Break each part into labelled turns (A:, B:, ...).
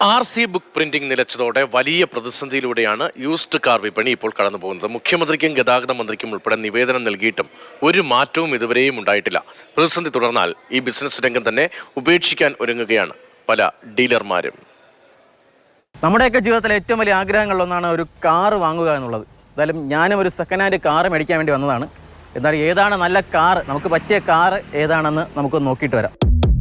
A: RC book printing നിലച്ചതോടെ വലിയ പ്രതിസന്ധിയിലൂടെയാണ് used car വിപണി ഇപ്പോൾ കടന്നുപോകുന്നത്. മുഖ്യമന്ത്രിക്കും ഗതാഗത മന്ത്രിക്കും ഉൾപ്പെടെ നിവേദനം നൽകിയിട്ടും ഒരു മാറ്റവും ഇതുവരെയും ഉണ്ടായിട്ടില്ല. പ്രതിസന്ധി തുടർന്നാൽ ഈ ബിസിനസ് രംഗം തന്നെ ഉപേക്ഷിക്കാൻ ഒരുങ്ങുകയാണ് പല ഡീലർമാരും.
B: നമ്മുടെയൊക്കെ ജീവിതത്തിലെ ഏറ്റവും വലിയ ആഗ്രഹങ്ങളിലൊന്നാണ് ഒരു കാർ വാങ്ങുക എന്നുള്ളത്. എന്തായാലും ഞാനും ഒരു സെക്കൻഡ് ഹാൻഡ് കാർ മേടിക്കാൻ വേണ്ടി വന്നതാണ്. എന്നാൽ ഏതാണ് നല്ല കാർ, നമുക്ക് പറ്റിയ കാർ ഏതാണെന്ന് നമുക്ക് നോക്കിയിട്ട് വരാം.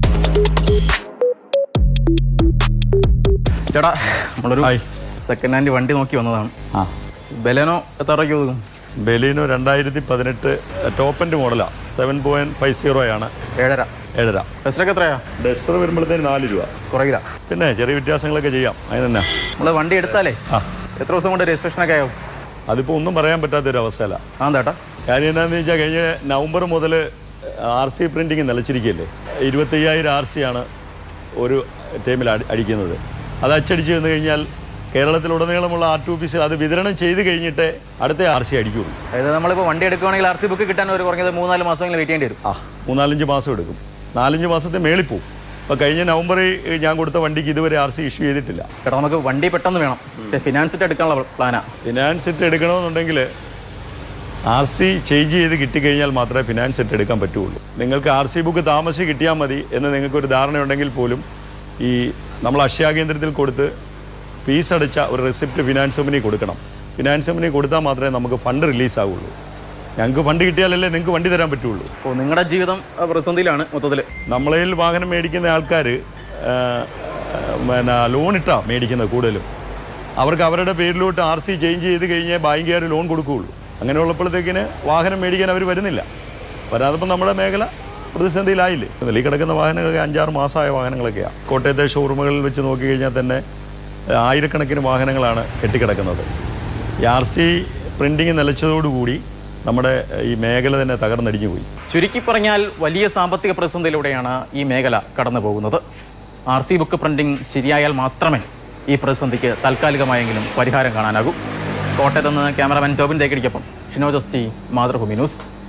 B: ചേട്ടാ, നമ്മളൊരു സെക്കൻഡ് ഹാൻഡ് വണ്ടി നോക്കി വന്നതാണ്. ബെലേനോ എത്ര രൂപയ്ക്ക് ഒതുക്കും?
C: ബെലീനോ 2018 ടോപ്പ് എൻഡ് മോഡലാണ്. 7.50 ആണ്. 7.5.
B: ഡസ്റ്ററൊക്കെ എത്രയാ?
C: ഡസ്റ്റർ വരുമ്പോഴത്തേന് 4 രൂപ
B: കുറയില്ല.
C: പിന്നെ ചെറിയ വ്യത്യാസങ്ങളൊക്കെ ചെയ്യാം. അതിന് തന്നെ
B: നമ്മൾ വണ്ടി എടുത്താലേ എത്ര ദിവസം കൊണ്ട് രജിസ്ട്രേഷനൊക്കെ ആവും?
C: അതിപ്പോൾ ഒന്നും പറയാൻ പറ്റാത്തൊരവസ്ഥയല്ല.
B: ചേട്ടാ,
C: കാര്യം എന്താണെന്ന് വെച്ചാൽ കഴിഞ്ഞ നവംബർ മുതൽ RC പ്രിൻറ്റിങ് നിലച്ചിരിക്കുകയല്ലേ. 25,000 RC ആണ് ഒരു ടൈമിൽ അടിക്കുന്നത്. അത് അച്ചടിച്ച് വന്നു കഴിഞ്ഞാൽ കേരളത്തിലുടനീളമുള്ള RT ഓഫീസിൽ അത് വിതരണം ചെയ്ത് കഴിഞ്ഞിട്ട് അടുത്ത RC അടിക്കുള്ളൂ.
B: അതായത് നമ്മളിപ്പോൾ വണ്ടി എടുക്കുകയാണെങ്കിൽ RC ബുക്ക് കിട്ടാൻ ഒരു കുറഞ്ഞത് 3-4 മാസമെങ്കിലും വെയിറ്റ് ചെയ്യേണ്ടി വരും.
C: 3-4 മാസം എടുക്കും. 4-5 മാസത്തെ മേളിൽ പോവും. അപ്പോൾ കഴിഞ്ഞ നവംബറിൽ ഞാൻ കൊടുത്ത വണ്ടിക്ക് ഇതുവരെ RC ഇഷ്യൂ ചെയ്തിട്ടില്ല.
B: ചേട്ടാ, നമുക്ക് വണ്ടി പെട്ടെന്ന് വേണം. പക്ഷേ ഫിനാൻസ് ഇട്ട് എടുക്കാനുള്ള പ്ലാനാണ്.
C: ഫിനാൻസ് ഇട്ട് എടുക്കണമെന്നുണ്ടെങ്കിൽ RC ചേഞ്ച് ചെയ്ത് കിട്ടിക്കഴിഞ്ഞാൽ മാത്രമേ ഫിനാൻസ് ഇട്ട് എടുക്കാൻ പറ്റുള്ളൂ. നിങ്ങൾക്ക് RC ബുക്ക് താമസിച്ച് കിട്ടിയാൽ മതി എന്ന് നിങ്ങൾക്കൊരു ധാരണയുണ്ടെങ്കിൽ പോലും ഈ നമ്മൾ അക്ഷയ കേന്ദ്രത്തിൽ കൊടുത്ത് ഫീസ് അടച്ച ഒരു റെസിപ്റ്റ് ഫിനാൻസ് കമ്പനി കൊടുക്കണം. ഫിനാൻസ് കമ്പനി കൊടുത്താൽ മാത്രമേ നമുക്ക് ഫണ്ട് റിലീസാവുള്ളൂ. ഞങ്ങൾക്ക് ഫണ്ട് കിട്ടിയാലല്ലേ നിങ്ങൾക്ക് വണ്ടി തരാൻ പറ്റുള്ളൂ.
B: അപ്പോൾ നിങ്ങളുടെ ജീവിതം പ്രതിസന്ധിയിലാണ് മൊത്തത്തിൽ.
C: നമ്മളതിൽ വാഹനം മേടിക്കുന്ന ആൾക്കാർ ലോൺ ഇട്ടാണ് മേടിക്കുന്നത് കൂടുതലും. അവർക്ക് അവരുടെ പേരിലോട്ട് RC ചേഞ്ച് ചെയ്ത് കഴിഞ്ഞാൽ ബാങ്കുകാർ ലോൺ കൊടുക്കുകയുള്ളൂ. അങ്ങനെയുള്ളപ്പോഴത്തേക്കിന് വാഹനം മേടിക്കാൻ അവർ വരുന്നില്ല. വരാതപ്പോൾ നമ്മുടെ മേഖല പ്രതിസന്ധിയിലായില്ലേ. ഈ കിടക്കുന്ന വാഹനങ്ങളൊക്കെ 5-6 മാസമായ വാഹനങ്ങളൊക്കെയാണ്. കോട്ടയത്തെ ഷോറൂമുകളിൽ വെച്ച് നോക്കിക്കഴിഞ്ഞാൽ തന്നെ ആയിരക്കണക്കിന് വാഹനങ്ങളാണ് കെട്ടിക്കിടക്കുന്നത്. ഈ RC പ്രിൻറ്റിങ് നിലച്ചതോടുകൂടി നമ്മുടെ ഈ മേഖല തന്നെ തകർന്നടിഞ്ഞു പോയി.
B: ചുരുക്കി പറഞ്ഞാൽ വലിയ സാമ്പത്തിക പ്രതിസന്ധിയിലൂടെയാണ് ഈ മേഖല കടന്നു പോകുന്നത്. RC ബുക്ക് പ്രിൻറ്റിംഗ് ശരിയായാൽ മാത്രമേ ഈ പ്രതിസന്ധിക്ക് താൽക്കാലികമായെങ്കിലും പരിഹാരം കാണാനാകൂ. കോട്ടയത്ത് നിന്ന് ക്യാമറാമാൻ ജോബിൻ തേക്കടിക്കൊപ്പം Shinoj S T, Mathrubhumi news.